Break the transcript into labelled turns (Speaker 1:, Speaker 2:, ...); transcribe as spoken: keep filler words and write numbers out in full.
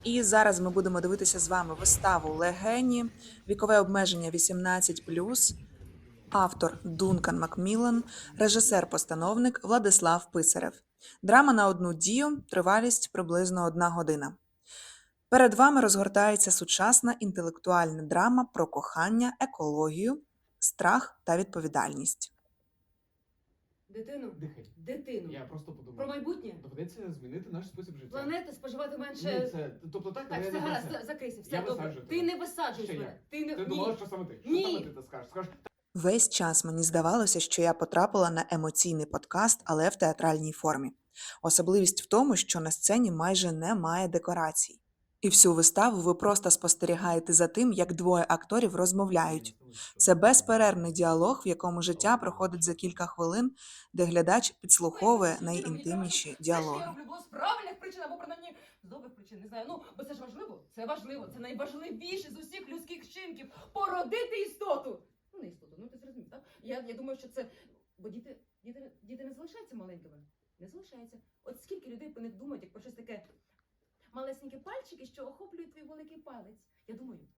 Speaker 1: І зараз ми будемо дивитися з вами виставу Легені, вікове обмеження вісімнадцять плюс, автор Дункан Макміллан, режисер-постановник Владислав Писарев. Драма на одну дію, тривалість приблизно одна година. Перед вами розгортається сучасна інтелектуальна драма про кохання, екологію, страх та відповідальність.
Speaker 2: Дитину,
Speaker 3: Дихай.
Speaker 2: дитину.
Speaker 3: Я просто подумав.
Speaker 2: Про майбутнє.
Speaker 3: Доведеться змінити наш спосіб життя.
Speaker 2: Планети споживати менше.
Speaker 3: Ні, це, тобто так,
Speaker 2: Так,
Speaker 3: але
Speaker 2: все
Speaker 3: я не
Speaker 2: гаразд,
Speaker 3: про це.
Speaker 2: за- закрийся, все
Speaker 3: Я
Speaker 2: добре.
Speaker 3: висаджую
Speaker 2: Ти
Speaker 3: тебе.
Speaker 2: не висаджуєш
Speaker 3: Ще
Speaker 2: мене.
Speaker 3: як?
Speaker 2: Ти не
Speaker 3: Ти
Speaker 2: Ні.
Speaker 3: думала, що саме ти? Що
Speaker 2: Ні.
Speaker 3: саме ти це скажеш? Скажеш,
Speaker 1: Весь час мені здавалося, що я потрапила на емоційний подкаст, але в театральній формі. Особливість в тому, що на сцені майже немає декорацій. І всю виставу ви просто спостерігаєте за тим, як двоє акторів розмовляють. Це безперервний діалог, в якому життя проходить за кілька хвилин, де глядач підслуховує найінтимніші
Speaker 2: Все, що я
Speaker 1: діалоги.
Speaker 2: роблю, було з правильних причин або принаймні з добрих причин, не знаю. Ну, бо це ж важливо. Це важливо. Це найважливіше з усіх людських вчинків. Породити істоту. Ну, не істоту, ну ти зрозумів, так? Я, я думаю, що це. Бо діти, діти, діти не залишаються маленькими. Не залишаються. От скільки людей про них думають, як про щось таке малесенькі пальчики, що охоплюють твій великий палець. Я думаю,